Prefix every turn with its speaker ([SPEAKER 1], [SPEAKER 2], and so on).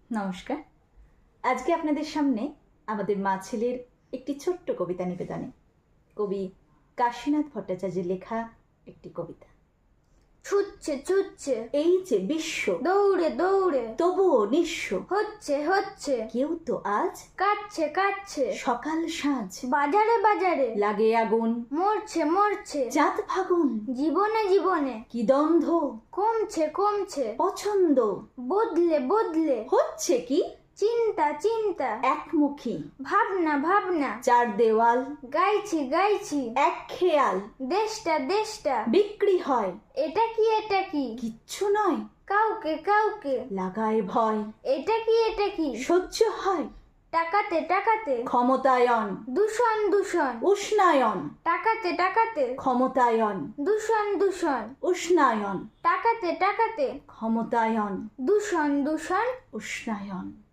[SPEAKER 1] নমস্কার। আজকে আপনাদের সামনে আমাদের মা ছেলের একটি ছোট্ট কবিতা নিবেদনে কবি কাশীনাথ ভট্টাচার্যের লেখা একটি কবিতা।
[SPEAKER 2] ছুটছে ছুটছে
[SPEAKER 1] এই যে বিশ্ব,
[SPEAKER 2] দৌড়ে দৌড়ে
[SPEAKER 1] তবুও নিঃস্ব,
[SPEAKER 2] হচ্ছে হচ্ছে
[SPEAKER 1] কেউ তো আজ
[SPEAKER 2] কাটছে কাটছে
[SPEAKER 1] সকাল সাঁঝ
[SPEAKER 2] বাজারে বাজারে
[SPEAKER 1] লাগে আগুন,
[SPEAKER 2] মরছে মরছে
[SPEAKER 1] জাত ফাগুন,
[SPEAKER 2] জীবনে জীবনে
[SPEAKER 1] কি দ্বন্দ্ব,
[SPEAKER 2] কমছে কমছে
[SPEAKER 1] পছন্দ,
[SPEAKER 2] বদলে বদলে
[SPEAKER 1] হচ্ছে কি
[SPEAKER 2] চিন্তা চিন্তা
[SPEAKER 1] একমুখী,
[SPEAKER 2] ভাবনা ভাবনা
[SPEAKER 1] চার দেওয়াল,
[SPEAKER 2] গাইছি গাইছি
[SPEAKER 1] এক খেয়াল,
[SPEAKER 2] দেশটা দেশটা
[SPEAKER 1] বিক্রি হয়,
[SPEAKER 2] এটা কি
[SPEAKER 1] কিচ্ছু নয়,
[SPEAKER 2] কাউকে কাউকে
[SPEAKER 1] লাগায় ভয়,
[SPEAKER 2] এটা কি
[SPEAKER 1] সহ্য হয়,
[SPEAKER 2] টাকাতে টাকাতে
[SPEAKER 1] ক্ষমতায়ন,
[SPEAKER 2] দূষণ দূষণ
[SPEAKER 1] উষ্ণায়ন,
[SPEAKER 2] টাকাতে টাকাতে
[SPEAKER 1] ক্ষমতায়ন,
[SPEAKER 2] দূষণ দূষণ
[SPEAKER 1] উষ্ণায়ন,
[SPEAKER 2] টাকাতে টাকাতে
[SPEAKER 1] ক্ষমতায়ন,
[SPEAKER 2] দূষণ দূষণ
[SPEAKER 1] উষ্ণায়ন।